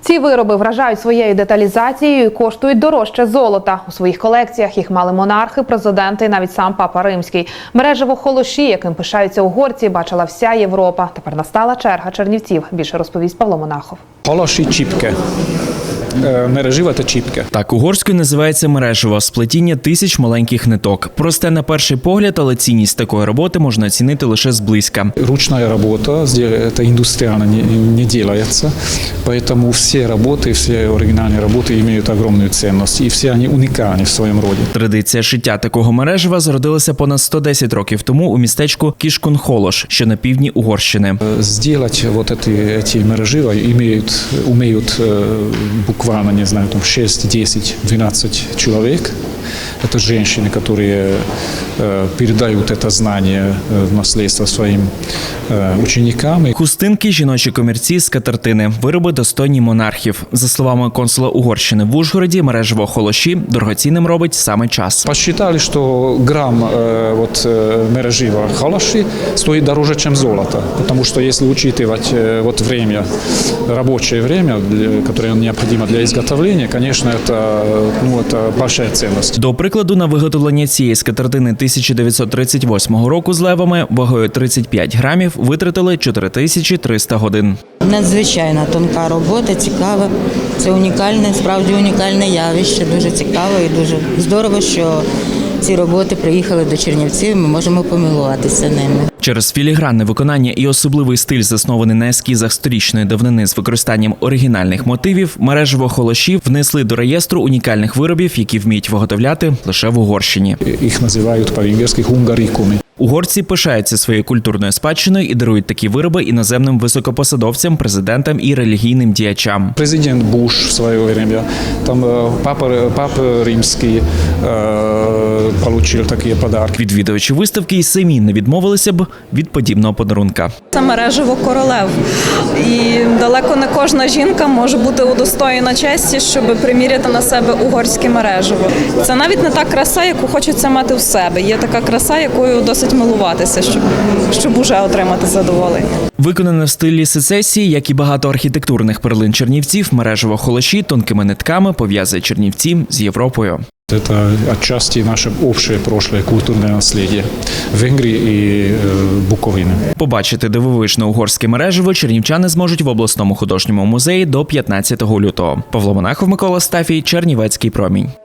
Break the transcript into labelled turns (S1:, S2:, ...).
S1: Ці вироби вражають своєю деталізацією і коштують дорожче золота. У своїх колекціях їх мали монархи, президенти і навіть сам Папа Римський. Мережево холоші, яким пишаються угорці, бачила вся Європа. Тепер настала черга чернівців. Більше розповість Павло Монахов.
S2: Холоші чіпки. Мережево та чіпки.
S3: Так угорською називається мережево – сплетіння тисяч маленьких ниток. Просте на перший погляд, але цінність такої роботи можна оцінити лише зблизька.
S2: Ручна робота, это індустріально не делается, поэтому все работы, все оригинальные работы имеют огромную ценность, и все они уникальны в своем роде.
S3: Традиція шиття такого мережева зародилася понад 110 років тому у містечку Кишкунхолош, що на півдні Угорщини.
S2: Сделать вот эти мережева умеют буквально, не знаю, там 6, 10, 12 человек. Это женщины, которые передают это знание в наследство своим ученикам.
S3: Хустинки, жіночі комірці, скатертини – вироби достойні монархів. За словами консула Угорщини в Ужгороді, мережево холоші дорогоцінним робить саме час.
S2: Посчитали, что грамм мережева холоши стоит дороже, чем золото. Потому что если учитывать время, рабочее время, которое необходимо для изготовления, конечно, это большая ценность.
S3: До прикладу, на виготовлення цієї скатертини 1938 року з левами вагою 35 грамів витратили 4300 годин.
S4: Надзвичайно тонка робота, цікава. Це унікальне, справді унікальне явище, дуже цікаво і дуже здорово, що ці роботи приїхали до Чернівців, ми можемо помилуватися ними.
S3: Через філігранне виконання і особливий стиль, заснований на ескізах сторічної давнини з використанням оригінальних мотивів, мережево холоші внесли до реєстру унікальних виробів, які вміють виготовляти лише в Угорщині.
S2: Їх називають по-венгерськи хунгарікуми.
S3: Угорці пишаються своєю культурною спадщиною і дарують такі вироби іноземним високопосадовцям, президентам і релігійним діячам.
S2: Президент Буш в своє время, там Папа Римський отримав такі подарки.
S3: Відвідувачі виставки і самі не відмовилися б від подібного подарунка.
S5: Це мережево королев. І далеко не кожна жінка може бути удостоєна честі, щоб приміряти на себе угорське мережево. Це навіть не та краса, яку хочеться мати в себе. Є така краса, якою досить милуватися, щоб уже отримати задоволення.
S3: Виконане в стилі сецесії, як і багато архітектурних перлин чернівців, мережево холоші тонкими нитками пов'язує Чернівці з Європою.
S2: Это отчасти наше общее прошлое культурное наследие Венгрии и Буковины.
S3: Побачити дивовижне угорське мережево чернівчани зможуть в обласному художньому музеї до 15 лютого. Павло Монахов, Микола Стафій, Чернівецький промінь.